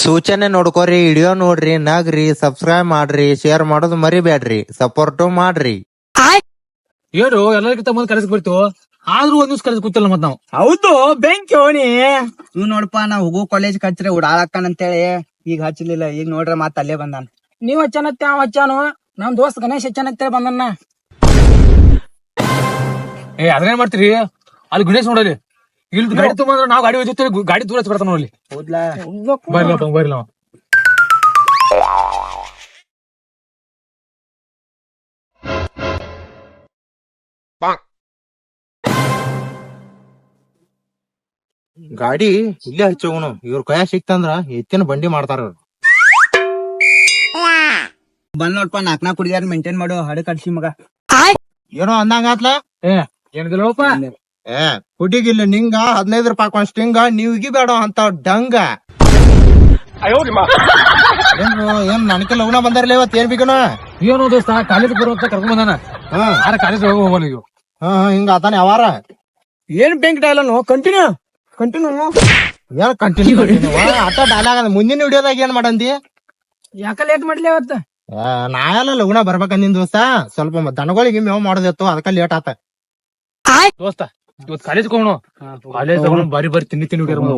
ಸೂಚನೆ ನೋಡ್ಕೋರಿ, ವಿಡಿಯೋ ನೋಡ್ರಿ, ನಗ್ರಿ, ಸಬ್ಸ್ಕ್ರೈಬ್ ಮಾಡ್ರಿ, ಶೇರ್ ಮಾಡೋದು ಮರಿಬೇಡ್ರಿ, ಸಪೋರ್ಟ್ ಮಾಡ್ರಿ. ಏನು ಎಲ್ಲರಿಗಿಂತ ಮುಂದೆ ಕರೆಸ್ ಬಿಡ್ತು ಆದ್ರೂ ಒಂದ್ ದಿವ್ಸ ಕರೆಸ್ ಕೂತಿಲ್ಲ ಮತ್ ನಾವು. ಹೌದು ಬೆಂಕಿ ಹೋಣಿ ಇವ್ ನೋಡಪ್ಪ ನಾ ಹೋಗೋ ಕಾಲೇಜ್ ಹಚ್ಚಿರಿ ಉಡಾಳಕ್ಕನ್ ಅಂತೇಳಿ ಈಗ ಹಚ್ಚಲಿಲ್ಲ. ಈಗ ನೋಡ್ರ ಮತ್ ಅಲ್ಲೇ ಬಂದಾನ. ನೀವ್ ಹಚ್ಚನತ್ತೆ ಅವ್ ಹಚ್ಚಾನು, ನಮ್ ದೋಸ್ತ್ ಗಣೇಶ್ ಹಚ್ಚನತ್ತೆ ಬಂದನ್ನ. ಅದ್ರೇನ್ ಮಾಡ್ತೀರಿ ಅಲ್ಲಿ ಗಣೇಶ್ ನೋಡಲಿ ಇಲ್ಲಿ ಗಾಡಿ ತುಂಬ ನಾವ್ ಗಾಡಿ ಹೋಗ್ತಿವಿ, ಗಾಡಿ ದೂರ ಬರ್ತಾನ ನೋಡ್ಲಿ. ಹೌದ್ಲಾ ಬರ್ಲಿ ನಾವು ಗಾಡಿ ಇಲ್ಲೇ ಹಚ್ಚೋಗುನು, ಇವ್ರ ಕೈಯ ಸಿಕ್ತಂದ್ರ ಎತ್ತಿನ ಬಂಡಿ ಮಾಡ್ತಾರ. ಬಂದ್ ನೋಡ್ಪ ನಾಕ್ ಕುಡಿಯಾರ ಮೇಂಟೈನ್ ಮಾಡು ಹಡ ಕಡ್ಸಿ ಮಗ. ಏನೋ ಅಂದಂಗಾತ್ಲ. ಏನಿದಿಲ್ಲಪ್ಪ ಹುಡುಗಿಲ್ಲ ನಿಂಗ 15 ರೂಪಾಯಿ ಕೊಂದ್ ಸ್ಟಿಂಗ, ನೀವ್ ಬೇಡ ಅಂತ ಡಂಗ. ಏನ್ ನನಗೆ ಲಗ್ನ ಬಂದಾರಲ್ಲ ಇವತ್ ಏನ್ ಬೇಕನ? ಏನೋ ದೋಸ್ತ ಕಾಲೇಜ್ ಬರುವಂತ ಕರ್ಕೊಂಡ್ ಬಂದಾನ. ಕಾಲೇಜ್ ಹೋಗೋಲ್ಲ ಈಗ. ಹಿಂಗ ಆತಾನೆ ಅವಾರ. ಏನ್ ಬೆಂಕಿ ಡೈಲಾಗ್ ಕಂಟಿನ್ಯೂ ಏನ್ ಕಂಟಿನ್ಯೂ ಆತ ಡೈಲಾಗ್ ಅದ. ಮುಂದಿನ ವಿಡಿಯೋದಾಗ ಏನ್ ಮಾಡಂದಿ? ಯಾಕ ಲೇಟ್ ಮಾಡ್ಲಿ ಅವತ್ತ? ನಾ ಎಲ್ಲ ಲಗ್ನ ಬರ್ಬೇಕಂದಿನ ದೋಸ್ತ, ಸ್ವಲ್ಪ ದನಗಳಿಗೆ ಮೇವ್ ಮಾಡೋದಿತ್ತು, ಅದಕ್ಕ ಲೇಟ್ ಆತ. ದೋಸ್ತ ಇವತ್ ಕಾಲೇಜ್ ಹೋಗೋಣ. ಕಾಲೇಜ್ ಬಾರಿ ಬಾರಿ ತಿನ್ನಿ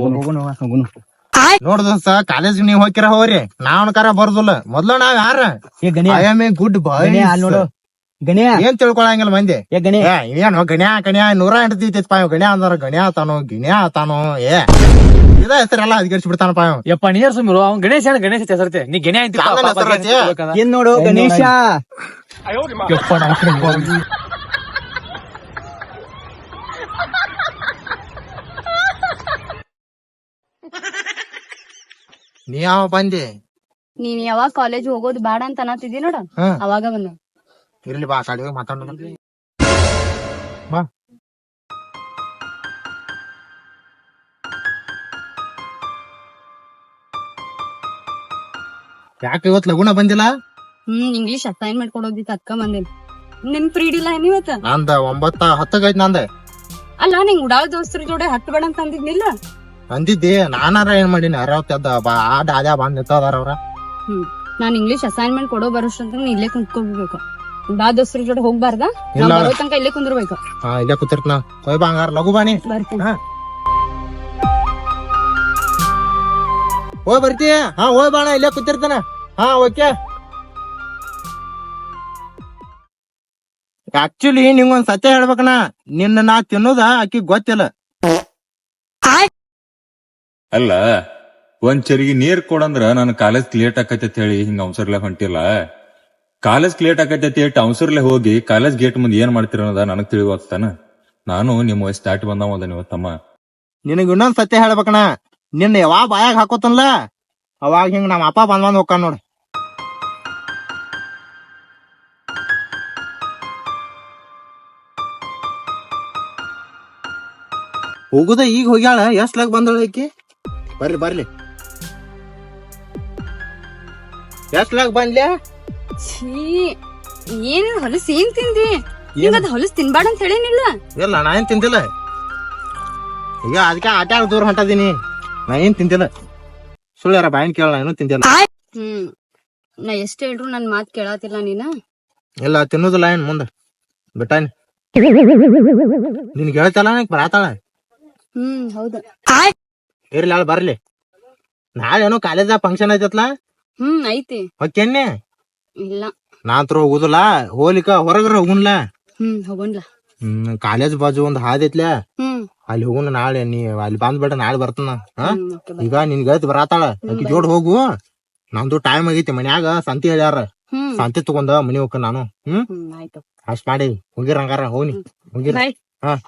ನೋಡ್ ದೋಸ್ತ, ಕಾಲೇಜ್ ನೀವ್ ಹೋಗಿರ ಹೋಗ್ರಿ, ನಾವ್ ಕರ ಬರುದಿಲ್ಲ. ಮೊದ್ಲು ನಾವ್ ಯಾರ I am a good boy ನೋಡು ಗಣ್ಯ ಏನ್ ತಿಳ್ಕೊಳಂಗಿಲ್ಲ ಮಂದಿ. ಗಣ್ಯ ಏನು ಗಣ್ಯ 100 ಗಣ್ಯ ಅಂದ್ರ ಗಣ್ಯ ಆತಾನೋ ಗಿಣ್ಯ ಆತಾನೋ ಇದ ಹೆಸರೆಲ್ಲ ಅಧಿಕರಿಸಿ ಬಿಡ್ತಾನಪ್ಪ. ಯಪ್ಪ ನೀರ್ ಸುಮ್ಮಿರು, ಅವ್ನ್ ಗಣೇಶ ಗಣೇಶ ಹೆಸರತೆ ನೀ ಗಣೆ ಏನ್ ನೋಡು ಗಣೇಶ. ನೀ ಯಾವ ಬಂದಿ? ನೀನ್ ಯಾವಾಗ ಕಾಲೇಜ್ ಹೋಗೋದು ಬೇಡ ಅಂತ ಅನ್ನತಿದ್ದಿ ನೋಡ, ಅವಾಗ ಬಂದ. ಇರ್ಲಿ ಬಾ, ಕಾಡಿ ಹೋಗಿ ಮಾತಾಡೋಣ ಬಾ. ಯಾಕೆ ಇವತ್ ಲಗುಣ ಬಂದಿಲ್ಲ? ಇಂಗ್ಲಿಷ್ ಅಸೈನ್ಮೆಂಟ್ ಕೊಡೋದಿತ್ತು ಅದ್ಕ ಬಂದೇನಿ. ನಿನ್ ಫ್ರೀಡ್ ಇಲ್ಲ ಏನಿವತ್ತ? ನಂದ 9:10 ಐತ್ ನಂದ. ಅಲ್ಲ ನಿಂಗ್ ಉಡಾಳ ದೋಸ್ತರ ಜೋಡೆ ಹತ್ತು ಬೇಡ ಅಂತ ಅಂದಿದ್ನಿಲ್ಲ? ಅಂದಿದ್ದಿ, ನಾನಾರ ಏನ್ ಮಾಡೀನಿ? ಅರಾವತ್ತದ ಆದ್ಯಾ ಬಂದ್ ನಿಂತದಾರ ಅವ್ರ. ನಾನ್ ಇಂಗ್ಲಿಷ್ ಅಸೈನ್ಮೆಂಟ್ ಕೊಡೋ ಬರೋಷ್ಟಂತ ನೀ ಇಲ್ಲೇ ಕುಂತ್ಕೋಬೇಕು. ಬಾ ದೋಸ್ತರ ಜೋಡೆ ಹೋಗ್ಬಾರ್ದ? ಬರೋ ತನಕ ಇಲ್ಲೇ ಕುಂದಿರ್ಬೇಕು. ಇಲ್ಲೇ ಕೂತಿರ್ತ. ಹೋಯ್ ಬಾ ಹಂಗಾರ, ಲಘು ಬಾನಿ. ಬರ್ತೀನಿ. ಹೋಯ್ ಬರ್ತೀಯ? ಹೋಯ್ ಬಾಣ, ಇಲ್ಲೇ ಕೂತಿರ್ತಾನ. ಓಕೆ. ಆಕ್ಚುಲಿ ನಿಂಗೊಂದ್ ಸತ್ಯ ಹೇಳ್ಬೇಕನ, ನಿನ್ನ ನಾ ತಿನ್ನೋದ ಆಕಿ ಗೊತ್ತಿಲ್ಲ. ಅಲ್ಲ, ಒಂದ್ ಚರಿಗೆ ನೀರ್ ಕೊಡಂದ್ರ ನಾನು ಕಾಲೇಜ್ ಲೇಟ್ ಆಕೈತಿ ಹೇಳಿ ಹಿಂಗ ಅವಸರ್ಲೆ ಹೊಂಟಿಲ್ಲ. ಕಾಲೇಜ್ ಲೇಟ್ ಆಕೈತಿ ಅವಸರ್ಲೆ ಹೋಗಿ ಕಾಲೇಜ್ ಗೇಟ್ ಮುಂದೆ ಏನ್ ಮಾಡ್ತೀರ ಅನ್ನೋದ ನನಗ್ ತಿಳಿವಾಗ್ತಾನ. ನಾನು ನಿಮ್ಮ ವಯಸ್ಸು ದಾಟಿ ಬಂದವ ತಮ್ಮ. ನಿನಗ್ ಇನ್ನೊಂದ್ ಸತ್ಯ ಹೇಳ್ಬೇಕಣ, ನಿನ್ನ ಯಾವಾಗ ಬಾಯಾಗ ಹಾಕೋತನ್ಲ ಅವಾಗ ಹಿಂಗ ನಮ್ಮ ಅಪ್ಪ ಬಂದ್ ಹೋಗ್ತಾನ ನೋಡ್. ಹೋಗುದ ಈಗ ಹೋಗ್ಯಾಳ, ಎಷ್ಟ್ಲಾಗ ಬಂದಳ ಆಕಿ? ಬರ್ಲಿ ಎಷ್ಟ್ಲಾಗ ಬಂದ್ಲ್ಯಾ? ಏನ್ ಹೊಲಸ್ ಏನ್ ತಿಂದಿ? ನಿಂಗದ್ ಹೊಲಸ್ ತಿನ್ಬಾರ್ದ ಅಂತ ಹೇಳಿನಿಲ್ಲ? ಇಲ್ಲ, ನಾ ಏನ್ ತಿಂದಿಲ್ಲ. ಈಗ ಅದಕ್ಕೆ ಆಟ ದೂರ ಹೊಂಟದೀನಿ. ನಾ ಏನ್ ತಿಂದಿಲ್ಲ. ಸುಳ್ಳ್ಯಾರ ಬಾಯಿನ್ ಕೇಳ, ಏನೂ ತಿಂದಿಲ್ಲ. ನಾ ಎಷ್ಟ್ ಹೇಳ್ರು ನನ್ ಮಾತ್ ಕೇಳತಿಲ್ಲ ನೀನ. ಇಲ್ಲ, ತಿನ್ನೋದಿಲ್ಲ ಏನ್ ಮುಂದ ಬಿಟ್ಟಾನಿ. ನಿನ್ಗೆ ಹೇಳ್ತಲ್ಲ ಬರಾತಾಳ. ಹೌದು. ಇರ್ಲಿ ಅಲ್ಲ ಬರ್ಲಿ. ನಾಳೆ ಏನೋ ಕಾಲೇಜ್ ಫಂಕ್ಷನ್ ಐತತ್ಲಾ? ಐತಿ. ಓಕೆನ್ನೆ? ಇಲ್ಲ, ನಾತ್ರ ಹೋಗುದಿಲ್ಲ. ಹೋಲಿಕ ಹೊರಗ್ರ ಹೋಗುನ್ಲ. ಹೋಗೋಣ್ಲ. ಕಾಲೇಜ್ ಬಾಜು ಒಂದ್ ಹಾದಿ ಐತ್ಲ, ಅಲ್ಲಿ ಹೋಗುನ ನಾಳೆ. ನೀ ಅಲ್ಲಿ ಬಂದ್ಬೇಡ, ನಾಳೆ ಬರ್ತಾನ. ಈಗ ನಿನ್ ಗೆಳತಿ ಬರಾತಾಳ, ಅಕ್ಕಿ ಜೋಡ್ ಹೋಗು. ನಂದು ಟೈಮ್ ಆಗೈತಿ, ಮನ್ಯಾಗ ಸಂತಿ ಹೇಳ್ಯಾರ. ಸಂತಿ ತಗೊಂಡ ಮನಿ ಹೋಗ ನಾನು. ಅಷ್ಟ್ ಮಾಡಿ ಹೋಗಿರ ಹಂಗಾರ. ಹೋಗಿ ಹೋಗಿರ.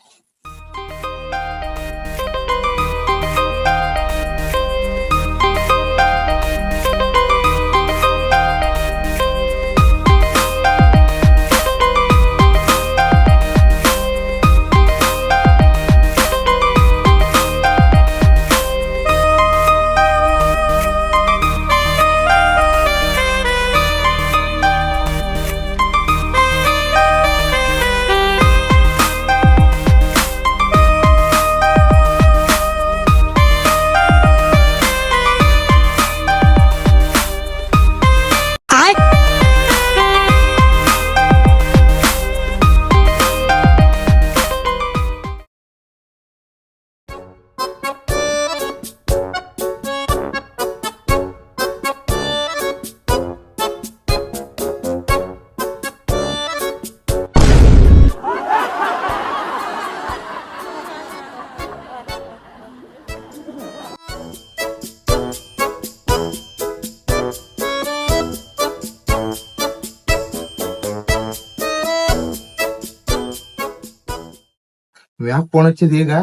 ಯಾಕೆ ಫೋನ್ ಹಚ್ಚಿದ್ ಈಗ?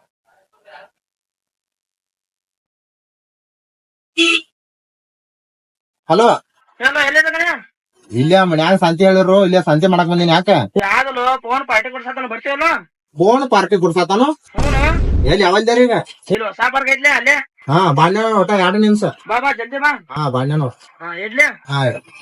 ಹಲೋ, ಇಲ್ಲೇ ಮನ್ಯಾಗ ಸಂತೆ ಹೇಳಿರು, ಇಲ್ಲೇ ಸಂತೆ ಮಾಡಕ್ ಬಂದಿನಿ. ಯಾಕ ಫೋನ್ ಪಾರ್ಟಿ ಕೊಡ್ಸತ್ತಾನ ಬರ್ತೀವಲ್ಲ ಫೋನ್ ಪಾರ್ಟಿ ಕೊಡ್ಸಾತಾನು? ಎಲ್ಲಿ ಯಾವಲ್ದಾರ ಈಗ? ಸಾಪಾರ್ಗ ಐತ್ಲೆ ಅಲ್ಲೇ ಹಾ ಬಾಣ್ಯ ಒಟ್ಟ 2 ನಿಮಿಷ. ಬಾ ಜಲ್ದಿ ಬಾ. ಹಾ ಬಾಣ್ಯನು. ಇಡ್ಲಿ. ಹಾ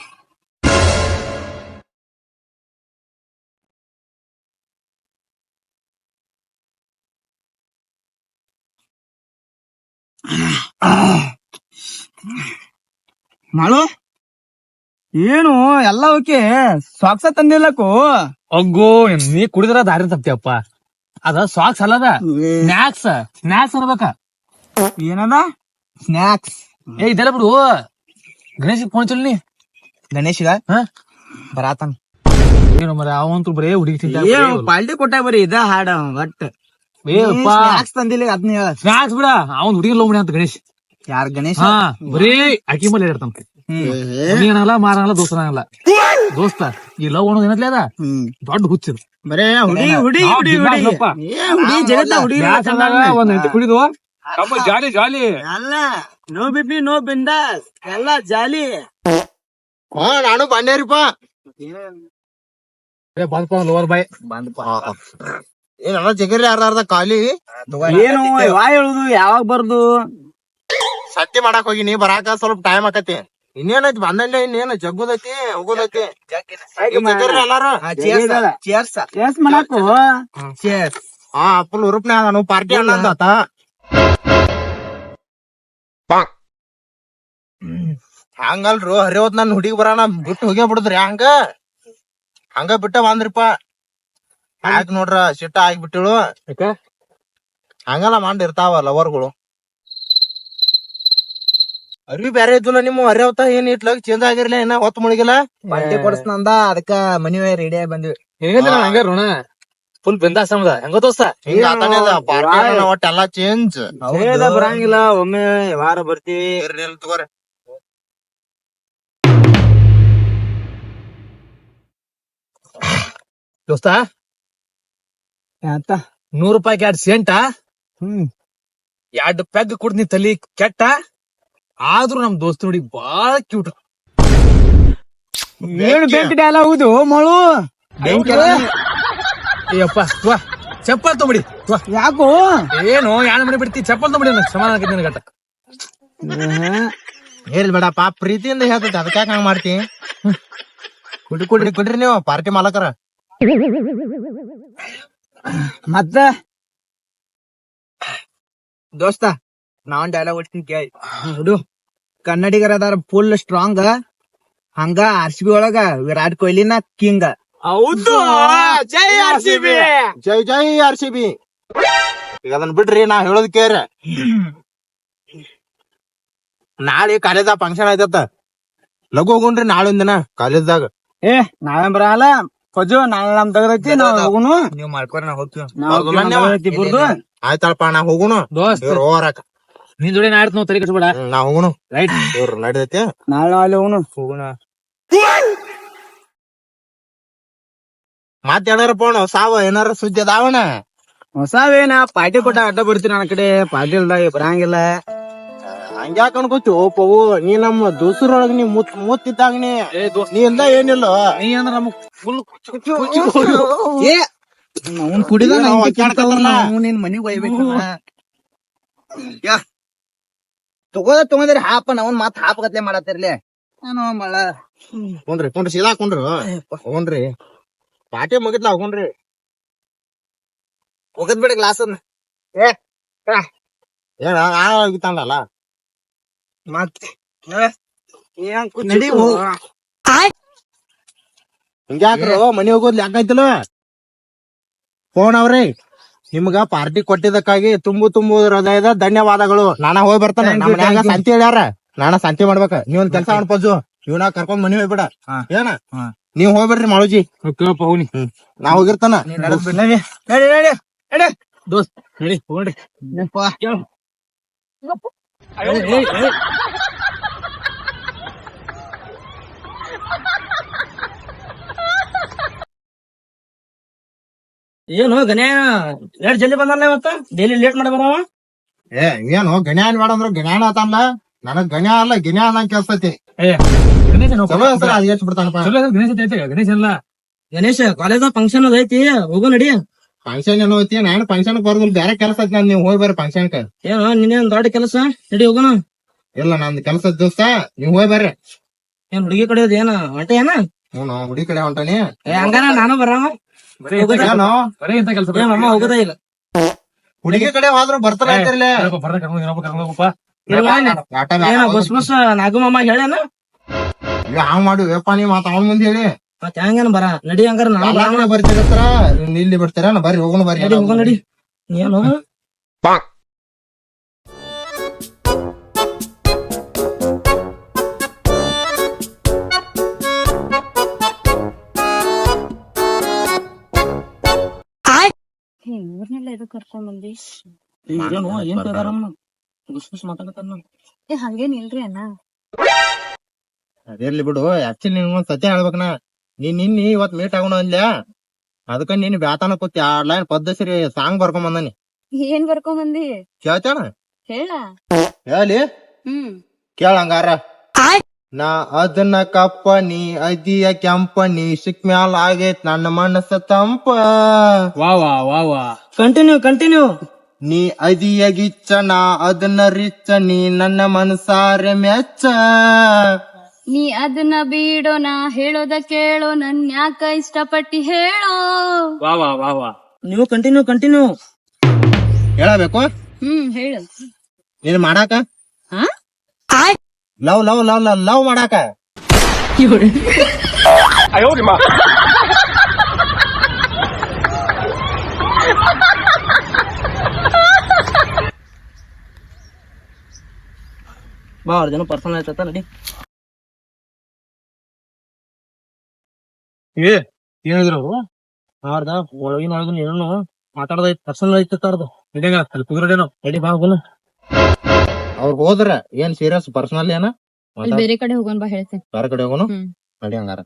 ಮಾಡು ಏನು ಎಲ್ಲ ಓಕೆ ಸಾಕ್ಸ ತಂದಿಲ್ಲಕು. ಅಗ್ಗೋ ನೀ ಕುಡಿದ್ರ ದಾರಿ ತಪ್ತಿಯಪ್ಪ. ಅದ ಸಾಕ್ಸ್ ಅಲ್ಲದ ಸ್ನಾಕ್ಸ್ ಅನ್ಬೇಕ. ಏನದ ಸ್ನಾಕ್ಸ್? ಇದೆಲ್ಲ ಬಿಡು. ಗಣೇಶ್ ಫೋನ್ ಚಲ್ನಿ. ಗಣೇಶ್ಗ ಬರಾತನ್ ಏನು ಮರ ಅವಂತೂ ಬರೇ ಹುಡುಗಿ ಪಾಲ್ಟಿ ಕೊಟ್ಟಾಗ ಬರೀ ಇದ ಹಾಡ ಒಟ್ಟ ಸ್ನಾಕ್ಸ್ ತಂದಿಲ್ಲ ಅದನ್ನ ಹೇಳ. ಸ್ನಾಕ್ಸ್ ಬಿಡ, ಅವ್ನ್ ಹುಡುಗಿ ಲವ್ ಮಾಡಿ ಅಂತ ಗಣೇಶ್. ಯಾರ ಗಣೇಶ? ಹಾ ಬರೀ ಅಕ್ಕಿ ಮೇಲೆ ಇರ್ತಾನ. ಏನಲ್ಲ ಮಾರಲ್ಲ ದೋಸ್ತನಾಗಲ್ಲ. ದೋಸ್ತ ಈ ಲವ್ ಅನ್ನೋದು ಏನತ್ಲೆ ಅದ ದೊಡ್ಡ ಹುಚ್ಚಿದ. ಬರೇ ಹುಡಿ ಹುಡಿ ಹುಡಿ ಒಂದ್ ಹೆಂಡತಿ ಕುಡಿದು ಜಾಲಿ ಜಾಲಿ ಅಲ್ಲ. ನೋ ಬಿಪಿ ನೋ ಬಿಂದಾಸ್ ಎಲ್ಲ ಜಾಲಿ. ಹಾ ನಾನು ಬಾಣ್ಯರಿಪ್ಪ. ಬಂದಪ್ಪ ಲೋವರ್ ಬಾಯ್ ಏನ ಜಗರಿ ಅರ್ಧ ಖಾಲಿ. ಏನು ವಾ ಹೇಳುದು ಯಾವಾಗ ಬರ್ದು? ಸಂತಿ ಮಾಡಕ್ ಹೋಗಿನಿ, ಬರಾಕ ಸ್ವಲ್ಪ ಟೈಮ್ ಆಕತಿ. ಇನ್ನೇನೈತಿ ಬಂದಂಡೆ, ಇನ್ನೇನ ಜಗ್ಗುದೈತಿ ಹೋಗೋದೈತಿ. ಎಲ್ಲಾರು ಚೇರ್ಸ್ ಮಾಡಾಕು ಚೇರ್ಸ್. ಹಾ ಫುಲ್ ಉರುಪ್ನೆ ಅದಾನು ಪಾರ್ಟಿ ಅನ್ನಂದಾತ. ಹಂಗಲ್ರು ಹರಿವತ್ ನನ್ ಹುಡುಗಿ ಬರಾನ ಬಿಟ್ಟು ಹೋಗೇ ಬಿಡುದ್ರಿ. ಹಂಗ ಬಿಟ್ಟ ಬಂದ್ರಿಪ್ಪ. ಯಾಕ ನೋಡ್ರ ಸಿಟ್ಟ ಆಗಿಬಿಟ್ಟಿಳು. ಹಂಗಲ್ಲ ಮಾಡಿರ್ತಾವ ಲವರ್ಗಳು. ಅರ್ವಿ ಬ್ಯಾರೆ ಇದ್ದಿಲ್ಲ ನಿಮ್ಮ ಹರಿಯವತ್ತ. ಏನ್ ಇಟ್ಲಾಗ ಚೇಂಜ್ ಆಗಿರ್ಲಿಲ್ಲ, ಏನ ಹೊತ್ತು ಮುಳುಗಿಲ್ಲ. ಪಾರ್ಟಿ ಕೊಡಸ್ನಂದ ಅದಕ್ಕ ಮನಿ ರೆಡಿ ಆಗಿ ಬಂದ್ವಿ. ಹಂಗ ಋಣ ಫುಲ್ ಬೆಂದಾಶ್ರಮದ ಹೆಂಗ ದೋಸ್ತ. ಹಿಂಗ ಪಾರ್ಟಿ ಒಟ್ಟ ಎಲ್ಲಾ ಚೇಂಜ್ ಬರಂಗಿಲ್ಲ. ಒಮ್ಮೆ ವಾರ ಬರ್ತೀವಿ. ತಗೋರಿ. ದೋಸ್ತ ಅಂತ 100 ರೂಪಾಯಿಗೆ 2 ಸೆಂಟ 2 ಪೆಗ್ ಕುಡ್ದು ನೀ ತಲಿ ಕೆಟ್ಟ. ಆದ್ರೂ ನಮ್ ದೋಸ್ತ ನೋಡಿ ಬಾಳ ಕ್ಯೂಟ್. ಏನು ಬೆಂಕಿ ಡಾಲ ಹೌದು ಮಳು. ಅಯ್ಯಪ್ಪ ಚಪ್ಪಲ್ ತೊಂಬಿಡಿ. ಯಾಕೋ ಏನು ಯಾಣ ಮಾಡಿ ಬಿಡ್ತಿ? ಚಪ್ಪಲ್ ತೊಂಬಿಡಿ. ನನಗೆ ಸಮಾನ ಆಗೈತಿ ನಿನ್ ಗಟ್ಟ. ಹೇಳಿ ಬೇಡ ಪಾಪ ಪ್ರೀತಿಯಿಂದ ಹೇಳ್ತೈತಿ, ಅದಕ್ಕಾಕ ಹಂಗ ಮಾಡ್ತಿ? ಕುಡ್ರಿ ನೀವು ಪಾರ್ಟಿ ಮಾಲಕರ. ಮತ್ತ ದೋಸ್ತ ನಾವನ್ ಡೈಲಾಗ್ ಹೊಡ್ತೀನಿ ಕೇಳಿ. ಹುಡು ಕನ್ನಡಿಗರ ಅದಾರ ಫುಲ್ ಸ್ಟ್ರಾಂಗ್. ಹಂಗ RCB ಒಳಗ ವಿರಾಟ್ ಕೊಹ್ಲಿನ ಕಿಂಗ್. ಹೌದು, ಜೈ RCB, ಜೈ ಜೈ RCB. ಈಗ ಅದನ್ನ ಬಿಡ್ರಿ, ನಾ ಹೇಳೋದ್ ಕೇರ. ನಾಳೆ ಕಾಲೇಜ್ ಫಂಕ್ಷನ್ ಆಯ್ತತ್ತ, ಲಘು ಹೋಗುಣ್ರಿ ನಾಳೆ ಒಂದಿನ ಕಾಲೇಜ್ದಾಗ. ನಾವೇ ಬರಲ್ಲ ಫಜು, ನಾಳೆ ನಮ್ ತಗದೈತಿ, ನಾವ್ ಹೋಗುನು. ನೀವ್ ಮಾಡ್ಕೊರಿ, ನಾ ಹೋಗ್ತೀವಿ. ಆಯ್ತಲ್ಪ ನಾ ಹೋಗುನು. ಹೋರಾಕ ನಿನ್ ಜೋಡಿ ನಾಡ್ತ ನಾವು ತಲೆ ಕಟ್ಬೇಡ. ನಾ ಹೋಗುನು. ರೈಟ್ ಇವ್ರು ನಡ್ದೈತಿ. ನಾಳೆ ಹೋಗುನು. ಮಾತಾಡಾರಪ್ಪ ಸಾವ ಏನಾರ ಸುದ್ದಿ ಅದಾವಣ? ಹೊಸಾವೇನ ಪಾರ್ಟಿ ಕೊಟ್ಟ ಅಡ್ಡ ಬಿಡ್ತೀನಿ ನನ್ನ ಕಡೆ. ಪಾರ್ಟಿ ಇಲ್ದಾಗ ಬರಂಗಿಲ್ಲ. ಹಂಗ್ಯಾಕ ಅನ್ಕೋತಿ ಪವು? ನೀ ನಮ್ಮ ದೋಸ್ರೊಳಗ ನೀ ಮುತ್ತಿದ್ದಾಗ ನೀ ಇಂದ ಏನಿಲ್ಲ. ನೀ ಅಂದ್ರ ನಮಗ್ ಫುಲ್ ಅವ್ನ್ ಕುಡಿದ ನಿನ್ ಮನಿಗ್ ಒಯ್ಬೇಕು. ತಗೊಂಡ್ರಿ ಹಾಪ ನಾವ್ ಮತ್ ಹಾಪಗತ್ಲೆ ಮಾಡತ್ತಿರ್ಲಿ. ನಾನು ಮಳ ಕುಂಡ್ರಿ ಸೀದಾ ಕುಂಡ್ರು. ಹೋಗ್ರಿ ಪಾರ್ಟಿ ಮುಗಿತ್ಲ ಹೋಗ್ರಿ. ಹೋಗದ್ ಬಿಡ ಗ್ಲಾಸ್ ಅದ್ನ. ಏನ ಆಗಿತ್ತಲ್ಲ ಮತ್ತೆ ಹಿಂಗ್ಯಾಕ್ರು ಮನಿ ಹೋಗೋದ್ ಯಾಕಾಯ್ತಲ್ಲ? ಫೋನ್ ಅವ್ರಿ ನಿಮ್ಗ ಪಾರ್ಟಿ ಕೊಟ್ಟಿದ್ದಕ್ಕಾಗಿ ತುಂಬು ಹೃದಯದ ಧನ್ಯವಾದಗಳು. ನಾನ ಹೋಗಿ ಬರ್ತಾನೆ. ನಮ್ಮ ಮನ್ಯಾಗ ಸಂತಿ ಹೇಳ್ಯಾರ, ನಾನ ಸಂತಿ ಮಾಡ್ಬೇಕ. ನೀವೊಂದ್ ಕೆಲ್ಸ ಮಾಡ್ಪೋಜು, ಇವ್ನ ಕರ್ಕೊಂಡ್ ಮನಿ ಹೋಗ್ಬಿಡ. ಏನ ನೀವ್ ಹೋಗ್ಬಿಡ್ರಿ ಮಾಳುಜಿ. ನಾ ಹೋಗಿರ್ತಾನ. ದೋಸ್ತ್ ಹೇಳಿ ಹೋಗ್ರಿ. ಏನು ಗಣ್ಯ ಲೇಟ್ ಜಲ್ದಿ ಬಂದಲ್ಲ ಇವತ್ತ ಡೈಲಿ ಲೇಟ್ ಮಾಡಿ ಬರವ. ಏ ಏನು ಗಣ್ಯಾನ್ ಬೇಡ ಅಂದ್ರ ಗಣ್ಯಾನ ಆತಲ್ಲ, ನನಗ್ ಗಣ್ಯ ಅಲ್ಲ ಗಿನ್ಯಾ ಅನ್ನಂಗ್ ಕೆಲ್ಸೈತಿ. ಗಣೇಶ ಚಲೋ ಹೆಸರು ಅದ್ ಹೆಚ್ಚ್ ಬಿಡ್ತಾನಪ್ಪ. ಗಣೇಶ ಐತೆ ಗಣೇಶ ಇಲ್ಲ. ಗಣೇಶ್ ಕಾಲೇಜ್ ಫಂಕ್ಷನ್ ಅದ ಐತಿ, ಹೋಗೋ ನಡಿ. ಫಂಕ್ಷನ್ ಏನೋ ಐತಿ, ನಾನು ಫಂಕ್ಷನ್ ಬರೋದಿಲ್ಲ, ಬೇರೆ ಕೆಲಸ ಐತಿ. ನಾನು ನೀವು ಹೋಗಿ ಬರ್ರಿ ಫಂಕ್ಷನ್. ಏನು ನಿನ್ನೇನ್ ದೊಡ್ಡ ಕೆಲಸ, ನಡಿ ಹೋಗೋಣ. ಇಲ್ಲ ನಂದ್ ಕೆಲಸದ ದಿವಸ ನೀವ್ ಹೋಗಿ ಬರ್ರಿ. ಏನ್ ಹುಡುಗಿ ಕಡೆ ಏನ ಹೊಂಟೆ ಏನ? ಹ್ಞೂ ಹುಡುಗಿ ಕಡೆ ಹೊಂಟಾನಿ. ಹಂಗಾರ ನಾನು ಬರವ. ಏನೋ ಬರೀ ಇಂತ ಕೆಲಸ ಅಮ್ಮ ಹೋಗೋದ ಇಲ್ಲ. ಹುಡುಗಿ ಕಡೆ ಹೋದ್ರು ಬರ್ತಾರ ಅಂತಿರ್ಲೆ. ಏನ ಬಸ್ ಬಸ್ ನಾಗಮಮ್ಮ ಹೇಳೇನ? ಹಾಂಗ್ ಮಾಡು ವೇಪ ನೀ ಮಾತ ಅವನ್ ಮುಂದೆ ಹೇಳಿ. ಮತ್ ಹೆಂಗೇನ ಬರ ನಡಿ. ಹಂಗಾರ ನಾನು ಬರವ. ಬರ್ತಿರತ್ರ ಇಲ್ಲಿ ಬರ್ತೀರ ಬರ್ರಿ ಹೋಗೋಣ ಬರ್ರಿ. ನಡಿ ಹೋಗೋ ನಡಿ. ಏನು ಇವ್ರನ್ನೆಲ್ಲ ಎದು ಕರ್ಕೊಂಡ್ ಬಂದಿ? ಏನು ಏನ್ ಕೇಳ್ತಾರಮ್ಮ? ಗುಸ್ ಗುಸ್ ಮಾತಾಡತಾರ. ಹಂಗೇನ್ ಇಲ್ರಿ ಅಣ್ಣ. ಅದಿರ್ಲಿ ಬಿಡು. ಆಕ್ಚುಲಿ ನಿನ್ ಒಂದ್ ಸತ್ಯ ಹೇಳ್ಬೇಕನ, ನೀನ್ ನಿನ್ನಿ ಇವತ್ ಮೀಟ್ ಆಗೋಣ ಅಂದ್ಯ, ಅದಕ್ಕ ನೀನ್ ಬ್ಯಾತಾನ ಕೂತಿ 2 ಲೈನ್ ಪದ್ಧತಿ ಸಾಂಗ್ ಬರ್ಕೊಂಡ್ ಬಂದಾನಿ. ಏನ್ ಬರ್ಕೊಂಡ್ ಬಂದಿ? ಕೇಳ್ತೇಣ? ಹೇಳ. ಹೇಳಿ ಕೇಳಂಗಾರ. ನಾ ಅದನ್ನ ಕಪ್ಪ ನೀ ಅದಿಯ ಕೆಂಪ, ನೀ ಸಿಕ್ ಮ್ಯಾಲ ಆಗೈತ್ ನನ್ನ ಮನಸ್ಸ ತಂಪ. ವಾ ವಾ ವಾ ವಾ. ಕಂಟಿನ್ಯೂ. ನೀ ಅದಿಯ ಗಿಚ್ಚ, ನಾ ಅದನ್ನ ರಿಚ್ಚ, ನೀ ನನ್ನ ಮನಸಾರೆ ಮೆಚ್ಚ. ನೀ ಅದನ್ನ ಬಿಡೋ, ನಾ ಹೇಳೋದ ಕೇಳೋ, ನನ್ ಯಾಕ ಇಷ್ಟಪಟ್ಟಿ ಹೇಳೋ. ವಾ ವಾ ವಾ ವಾ. ನೀವು ಕಂಟಿನ್ಯೂ. ಹೇಳಬೇಕು. ಹೇಳು. ನೀನ್ ಮಾಡಾಕ ಹಾ? Love love love love love ಮಾಡಾಕ. ಬಾ ಅವ್ರ ಜನ ಪರ್ಸನಲ್ ಆಯ್ತ ನಡಿ. ಏನಿದ್ರು ಅವ್ರು ಅವ್ರದ ಒಳಗಿನ ಏನೋ ಮಾತಾಡೋದೈತ್, ಪರ್ಸನಲ್ ಐತ ಅವ್ರದ್ದು. ನಡಿಯಂಗ ಅಲ್ಲಿ ಕುದುರೇನೋ. ನಡಿ ಬಾ ಹೋಗೋಣ. ಅವ್ರ ಹೋದ್ರ ಏನ್ ಸೀರಿಯಸ್ ಪರ್ಸನಲ್ ಏನ ಅಲ್ಲಿ ಬೇರೆ ಕಡೆ ಹೋಗೋಣ ಬಾ ಹೇಳ್ತೇನೆ. ಬೇರೆ ಕಡೆ ಹೋಗೋನು. ನಡಿ ಹಂಗಾರ.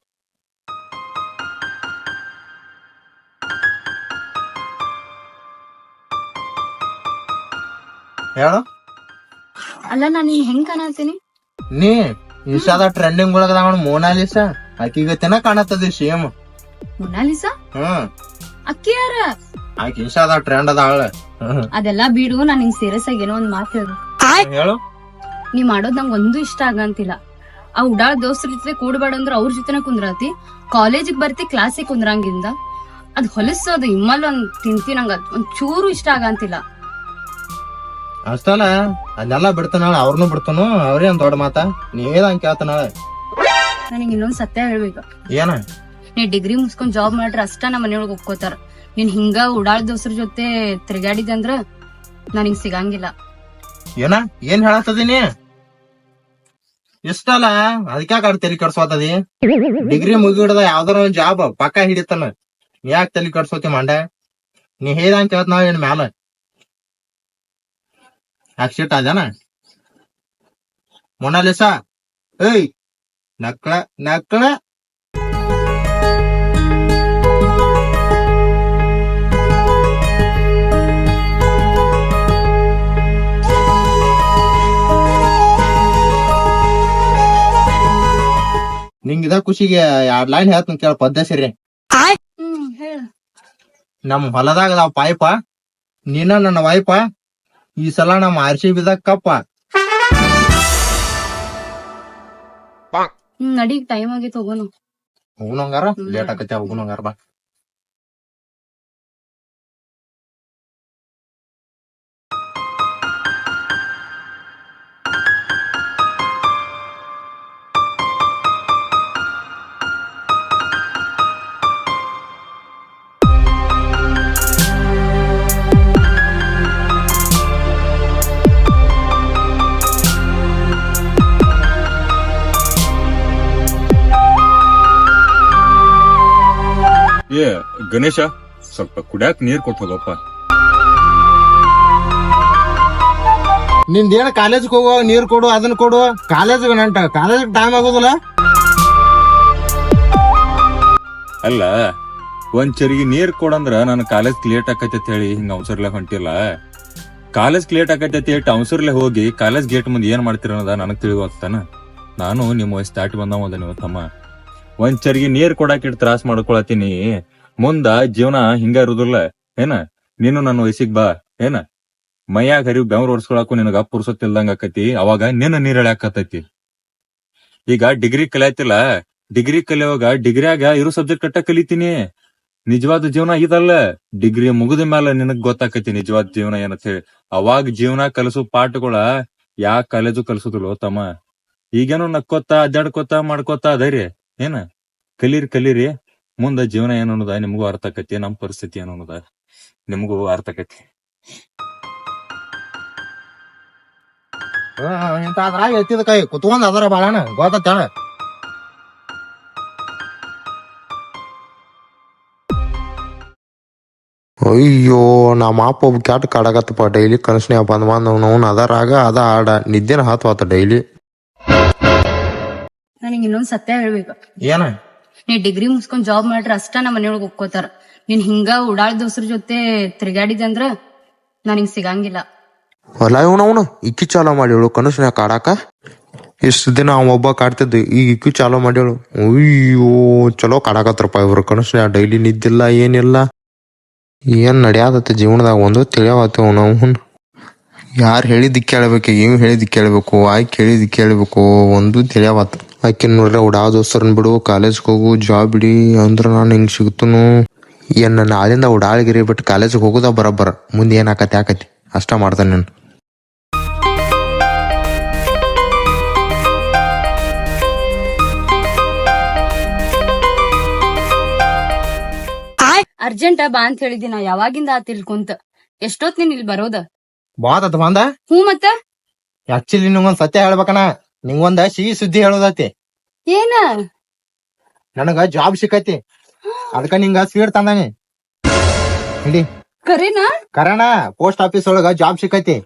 ಹೇಳು. ಅಲ್ಲ ನಾನ್ ನೀನ್ ಹೆಂಗ್ ಕಾಣತೀನಿ? ನೀ ಇನ್ಸ್ಟಾದ ಟ್ರೆಂಡಿಂಗ್ ಒಳಗದ ಮೋನಾಲಿಸಾ, ಆಕಿಗತೆನ ಕಾಣತ್ತದ ಸೇಮ್. ಮೊನಾಲಿಸಾ? ಅಕ್ಕಿ ಯಾರ? ಆಕಿ ಇನ್ಸ್ಟಾದ ಟ್ರೆಂಡ್ ಅದ ಅವಳ. ಅದೆಲ್ಲಾ ಬಿಡು, ನಾನ್ ನಿಂಗ್ ಸೀರಿಯಸ್ ಆಗಿ ಏನೋ ಒಂದ್ ಮಾತು ಹೇಳು. ಹೇಳು. ನೀ ಮಾಡೋದ್ ನಂಗ್ ಒಂದು ಇಷ್ಟ ಆಗಂತಿಲ್ಲ. ಆ ಉಡಾಳ್ ದೋಸ್ತರ ಜೊತೆ ಕೂಡ್ಬೇಡ ಅಂದ್ರ ಅವ್ರ ಜೊತೆನ ಕುಂದ್ರಾತಿ, ಕಾಲೇಜಿಗೆ ಬರ್ತಿ ಕ್ಲಾಸಿಗೆ ಕುಂದ್ರಂಗಿಂದ ಅದ್ ಹೊಲಸೋದು ಇಮ್ಮಲ್ ಒಂದ್ ತಿಂತಿ, ನಂಗ ಒಂದ್ ಚೂರು ಇಷ್ಟ ಆಗಂತಿಲ್ಲ. ಅಷ್ಟಲ್ಲ ಅದೆಲ್ಲ ಬಿಡ್ತಾನಾಳ, ಅವ್ರನ್ನೂ ಬಿಡ್ತಾನು. ಅವ್ರೇ ಒಂದ್ ದೊಡ್ಡ ಮಾತ ನೀವೇದಂಗ್ ಕೇಳ್ತಾನಾಳ. ನನಗ್ ಇನ್ನೊಂದ್ ಸತ್ಯ ಹೇಳ್ಬೇಕು. ಏನ? ನೀ ಡಿಗ್ರಿ ಮುಗಿಸ್ಕೊಂಡ್ ಜಾಬ್ ಮಾಡ್ರ ಅಷ್ಟ ನಮ್ಮ ಮನೆಯೊಳಗ್ ಒಪ್ಕೋತಾರ. ನೀನ್ ಹಿಂಗ ಉಡಾಳ್ ದೋಸ್ತರ ಜೊತೆ ತಿರ್ಗಾಡಿದಂದ್ರ ನನಗ್ ಸಿಗಂಗಿಲ್ಲ. ಏನ ಏನ್ ಹೇಳತ್ತದೀನಿ? ಇಷ್ಟಲ್ಲ ಅದಕ್ಯಾಕ ತಲೆ ಕಡ್ಸೋತದಿ? ಡಿಗ್ರಿ ಮುಗಿಡ್ದ ಯಾವ್ದಾರ ಒಂದ್ ಜಾಬ್ ಪಕ್ಕ ಹಿಡಿತಾನ, ನೀ ಯಾಕೆ ತಲೆ ಕಡ್ಸೋತಿ ಮಂಡ? ನೀ ಹೇಳ್ದಂಗ್ ಕೇಳ್ತ ನಾವ್ ಏನ್ ಮ್ಯಾಲ ಆಕ್ಸಿಟ್ ಅದೇನ? ಮೊನಾಲಿಸಾ ಏಯ್ ನಕ್ಳ ನಕ್ಳ. ನಿಂಗಿದ ಖುಷಿಗೆ 2 ಲೈನ್ ಹೇಳ್ತೀನಿ ಕೇಳ ಪದ್ಧತಿ. ಹೇಳ. ನಮ್ ಹೊಲದಾಗ ಅದಾವ ಪಾಯ್ಪ, ನೀನ ನನ್ನ ವಾಯ್ಪ, ಈ ಸಲ ನಮ್ಮ RCB ದಾಗ ಕಪ್ಪ. ನಡಿ ಟೈಮ್ ಆಗಿತ್ತು ಹೋಗೋಣ. ಹೋಗುಣಂಗಾರ ಲೇಟ್ ಆಕತಿ, ಹೋಗುಣಂಗಾರ ಬಾ. ಏ ಗಣೇಶ, ಸ್ವಲ್ಪ ಕುಡ್ಯಾಕ್ ನೀರ್ ಕೊಟ್ಟು ಹೋಗಪ್ಪ. ನಿಂದೇನ ಕಾಲೇಜ್ ಹೋಗುವಾಗ ನೀರ್ ಕೊಡು, ಅದನ್ನ ಕೊಡು. ಕಾಲೇಜ್ ನಂಟ ಕಾಲೇಜ್ ಟೈಮ್ ಆಗೋದಿಲ್ಲ. ಅಲ್ಲ ಒಂದ್ ಚರಿಗೆ ನೀರ್ ಕೊಡಂದ್ರ ನಾನು ಕಾಲೇಜ್ ಲೇಟ್ ಆಕೈತೆ ಹೇಳಿ ಹಿಂಗ ಅವಸರ್ಲೆ ಹೊಂಟಿಲ್ಲ. ಕಾಲೇಜ್ ಲೇಟ್ ಆಕೈತೆ ಅವಸರ್ಲೆ ಹೋಗಿ ಕಾಲೇಜ್ ಗೇಟ್ ಮುಂದೆ ಏನ್ ಮಾಡ್ತೀರ ಅನ್ನೋದ ನನಗ್ ತಿಳಿವಾಗ್ತಾನ. ನಾನು ನಿಮ್ಮ ವಯಸ್ಸು ದಾಟಿ ಬಂದವ ನೀವು ತಮ್ಮ. ಒಂದ್ ಚರಿಗೆ ನೀರ್ ಕೊಡಾಕ ತ್ರಾಸ್ ಮಾಡ್ಕೊಳತೀನಿ. ಮುಂದ ಜೀವನ ಹಿಂಗ ಇರುದಿಲ್ಲ ಏನ. ನೀನು ನನ್ನ ವಯಸ್ಸಿಗೆ ಬಾ ಏನ. ಮೈಯಾಗ ಹರಿವು ಬೆವ್ರ ಓಡಿಸ್ಕೊಳಕು ನಿನಗ ಪುರ್ಸೊತ್ತಿಲ್ದಂಗ ಆಕತಿ. ಅವಾಗ ನಿನ್ನ ನೀರ್ ಎಳ್ಯಾಕತ್ತೈತಿ. ಈಗ ಡಿಗ್ರಿ ಕಲಿಯತಿಲ್ಲ, ಡಿಗ್ರಿ ಕಲಿಯುವಾಗ ಡಿಗ್ರಿಯಾಗ ಇರೋ ಸಬ್ಜೆಕ್ಟ್ ಕಟ್ಟ ಕಲಿತೀನಿ. ನಿಜವಾದ ಜೀವನ ಇದಲ್ಲ. ಡಿಗ್ರಿ ಮುಗಿದ ಮೇಲೆ ನಿನಗ್ ಗೊತ್ತಾಕತಿ ನಿಜವಾದ ಜೀವನ ಏನಂತ ಹೇಳಿ. ಅವಾಗ ಜೀವನ ಕಲಸು ಪಾಠಗಳ ಯಾ ಕಾಲೇಜು ಕಲ್ಸುದಿಲ್ಲ ತಮ್ಮ. ಈಗೇನೋ ನಕ್ಕೋತಾ ಅಡ್ಡಾಡ್ಕೋತಾ ಮಾಡ್ಕೋತಾ ಅದರಿ ಏನ. ಕಲೀರಿ ಮುಂದ ಜೀವನ ಏನು ಅನ್ನೋದ ನಿಮಗೂ ಅರ್ಥ ಆಕತಿ. ನಮ್ ಪರಿಸ್ಥಿತಿ ಏನು ಅನ್ನೋದ ನಿಮಗೂ ಅರ್ಥ ಆಕತಿ. ಇಂತ ಅದ್ರಾಗ ಎತ್ತಿದ ಕೈ ಕುತ್ಕೊಂಡ್ ಅದರ ಬಾಳಣ ಗೊತ್ತಾಳ. ಅಯ್ಯೋ ನಮ್ಮ ಅಪ್ಪ ಒಬ್ಬ ಕ್ಯಾಟ್ ಕಾಡಾಕತ್ತಪ್ಪ. ಡೈಲಿ ಕನಸ್ನ್ಯಾಗ ಬಂದ್ ಅವ್ನು ಅದರಾಗ ಅದ ಆಡ ನಿದ್ದೆನ ಹಾತ್ವಾತ ಡೈಲಿ. ನನಗೆ ಇನ್ನೊಂದ್ ಸತ್ಯ ಹೇಳ್ಬೇಕು. ಏನ ನೀ ಡಿಗ್ರಿ ಮುಗಿಸ್ಕೊಂಡ್ ಜಾಬ್ ಮಾಡ್ರ ಅಷ್ಟ ನಮ್ಮ ಮನೆಯೊಳಗ್ ಒಪ್ಕೋತಾರ. ನೀನ್ ಹಿಂಗ ಉಡಾಳ್ ದೋಸ್ರ ಜೊತೆ ತಿರ್ಗಾಡಿದಂದ್ರ ನನಗ್ ಸಿಗಂಗಿಲ್ಲ. ಹೊಲ ಇವನವನು ಇಕ್ಕಿ ಚಾಲೋ ಮಾಡಿವಳು ಕನಸ್ನ್ಯಾಗ ಕಾಡಾಕ. ಇಷ್ಟ ದಿನ ಅವ ಒಬ್ಬ ಕಾಡ್ತಿದ್ದ, ಈಗ ಇಕ್ಕಿ ಚಾಲೋ ಮಾಡ್ಯಾಳು. ಅಯ್ಯೋ ಚಲೋ ಕಾಡಾಕತ್ರಪ್ಪ ಇವ್ರು ಕನಸ್ನ್ಯಾಗ. ಡೈಲಿ ನಿದ್ದಿಲ್ಲ ಏನಿಲ್ಲ. ಏನ್ ನಡ್ಯಾದತ್ತ ಜೀವನದಾಗ ಒಂದು ತಿಳಿಯಾವತ್ತ ನಾವು. ಯಾರು ಹೇಳಿದ್ ಕೇಳ್ಬೇಕು, ಇವ್ ಹೇಳಿದ್ ಕೇಳ್ಬೇಕು, ಆಯ್ಕೆ ಹೇಳಿದ್ ಕೇಳ್ಬೇಕು, ಒಂದು ತಿಳಿಯಾವತ್ತ. ಆಕೆ ನೋಡ್ರೆ ಉಡಾ ದೋಸ್ತರನ್ ಬಿಡು, ಕಾಲೇಜ್ಗೆ ಹೋಗು, ಜಾಬ್ ಬಿಡಿ ಅಂದ್ರ ನಾನು ಹಿಂಗ್ ಸಿಗ್ತನು. ಏನ್ ನಾಳಿಂದ ಉಡಾಳ್ಗಿರಿ ಬಿಟ್ಟು ಕಾಲೇಜ್ಗೆ ಹೋಗುದ ಬರಬ್ಬರ. ಮುಂದೆ ಏನ್ ಆಕತಿ ಆಕತಿ ಅಷ್ಟ ಮಾಡ್ತಾನೆ ನಾನು. ಅರ್ಜೆಂಟ್ ಬಾ ಅಂತ ಹೇಳಿದಿ. ನಾ ಯಾವಾಗಿಂದ ತಿಳ್ಕೊಂತ ಎಷ್ಟೊತ್ ನೀನ್ ಇಲ್ಲಿ ಬರೋದ? ಬಾತ ಬಂದ. ಹ್ಞೂ ಮತ್ತ ಆಕ್ಚುಲಿ ನಿಂಗೊಂದ್ ಸತ್ಯ ಹೇಳ್ಬೇಕನ. ನಿಂಗೊಂದ ಸಿಹಿ ಸುದ್ದಿ ಹೇಳೋದೈತಿ. ಏನ? ನನಗ ಜಾಬ್ ಸಿಕ್ಕೈತಿ. ಅದಕ್ಕ ನಿಂಗ ಸ್ವೀಟ್ ತಂದಾನಿ. ಹಿಡಿ ಕರೇನಾ? ಕರಣ ಪೋಸ್ಟ್ ಆಫೀಸ್ ಒಳಗ ಜಾಬ್ ಸಿಕ್ಕೈತಿ.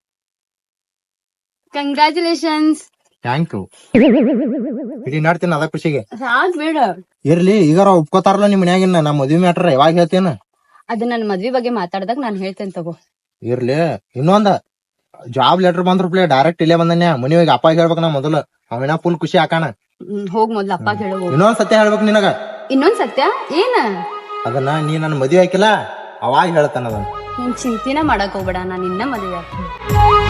ಕಂಗ್ರಾಚುಲೇಷನ್ಸ್. Thank you. ಹಿಡಿ ನಡ್ತೀನಿ ಅದ ಖುಷಿಗೆ. ಸಾಕ್ ಬೇಡ. ಇರ್ಲಿ ಈಗಾರ ಒಪ್ಕೋತಾರಲ್ಲ ನಿಮ್ ಮನ್ಯಾಗಿನ ನಮ್ ಮದ್ವಿ ಮ್ಯಾಟ್ರ ಯಾವಾಗ ಹೇಳ್ತೇನ? ಅದ ನನ್ ಮದ್ವಿ ಬಗ್ಗೆ ಮಾತಾಡ್ದಾಗ ನಾನ್ ಹೇಳ್ತೇನೆ ತಗೋ. ಇರ್ಲಿ ಇನ್ನೊಂದ ಜಾಬ್ ಲೆಟರ್ ಬಂದ್ರಪ್ಲೆ ಡೈರೆಕ್ಟ್ ಇಲ್ಲೇ ಬಂದನ್ಯ. ಮನಿ ಹೋಗಿ ಅಪ್ಪ ಹೇಳ್ಬೇಕ ನಾ ಮೊದಲು. ಅವಿನ ಫುಲ್ ಖುಷಿ ಹಾಕಾಣ. ಹೋಗ್ ಮೊದ್ಲು ಅಪ್ಪ ಹೇಳೋ. ಇನ್ನೊಂದ್ ಸತ್ಯ ಹೇಳ್ಬೇಕು ನಿನಗ. ಇನ್ನೊಂದ್ ಸತ್ಯ ಏನ? ಅದನ್ನ ನೀ ನನ್ ಮದ್ವಿ ಹಾಕಿಲ್ಲ ಅವಾಗ ಹೇಳ್ತಾನ ಅದನ್ನ. ನೀನ್ ಚಿಂತಿನ ಮಾಡಕ್ ಹೋಗ್ಬೇಡ, ನಾನ್ ಇನ್ನ ಮದ್ವೆ ಆಗ್ತೀನಿ.